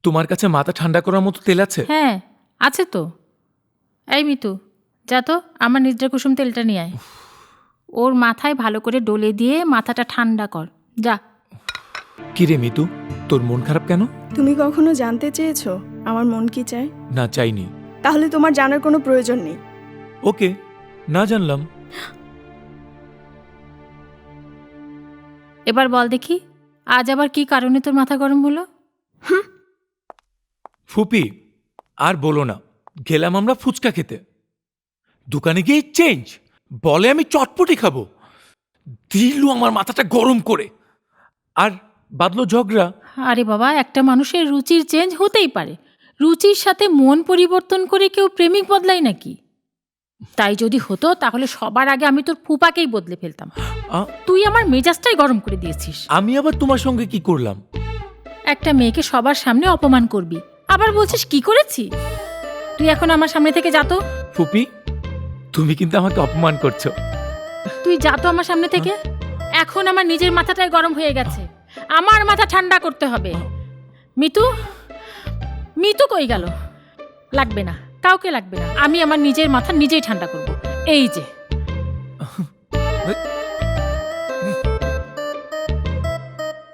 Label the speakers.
Speaker 1: তোমার কাছে মাথা ঠান্ডা করার মতো তেল আছে?
Speaker 2: হ্যাঁ আছে তো। এই মিতু, যা তো আমার নিদ্রা কুসুম তেলটা নিয়ে আয়। ওর মাথায় ভালো করে ডলে দিয়ে মাথাটা ঠান্ডা কর, যা।
Speaker 1: কিরে মিতু, তোর মন খারাপ কেন?
Speaker 3: তুমি কখনো জানতে চেয়েছো আমার মন কি চায়?
Speaker 1: না, চাইনি।
Speaker 3: তাহলে তোমার জানার কোনো প্রয়োজন নেই।
Speaker 1: ওকে, না জানলাম।
Speaker 2: এবার বল দেখি, আজ আবার কি কারণে তোর মাথা গরম হলো?
Speaker 1: ফুপি, আর বলো না, গেলাম আমরা ফুচকা খেতে। দোকানে গিয়ে চেঞ্জ বলে আমি চটপটি খাবো, দিল আমার মাথাটা গরম করে, আর বাদলো ঝগড়া।
Speaker 2: আরে বাবা, একটা মানুষের রুচির চেঞ্জ হতেই পারে। রুচির সাথে মন পরিবর্তন করে কেউ প্রেমিক বদলায় নাকি? তাই যদি হতো তাহলে সবার আগে আমি তোর ফুপাকেই বদলে ফেলতাম। তুই আমার মেজাজটাই গরম করে দিয়েছিস।
Speaker 1: আমি আবার তোমার সঙ্গে কি করলাম?
Speaker 2: একটা মেয়েকে সবার সামনে অপমান করবি, আবার বলছিস কি করেছি? তুই এখন আমার সামনে থেকে যা তো।
Speaker 1: ফুপি, তুমি কিন্তু আমাকে অপমান করছো।
Speaker 2: তুই যা তো আমার সামনে থেকে। এখন আমার নিজের মাথাটাই গরম হয়ে গেছে, আমার মাথা ঠান্ডা করতে হবে। মিতু, মিতু কই গেল? লাগবে না, কাউকে লাগবে না, আমি আমার নিজের মাথা নিজেই ঠান্ডা করব। এই যে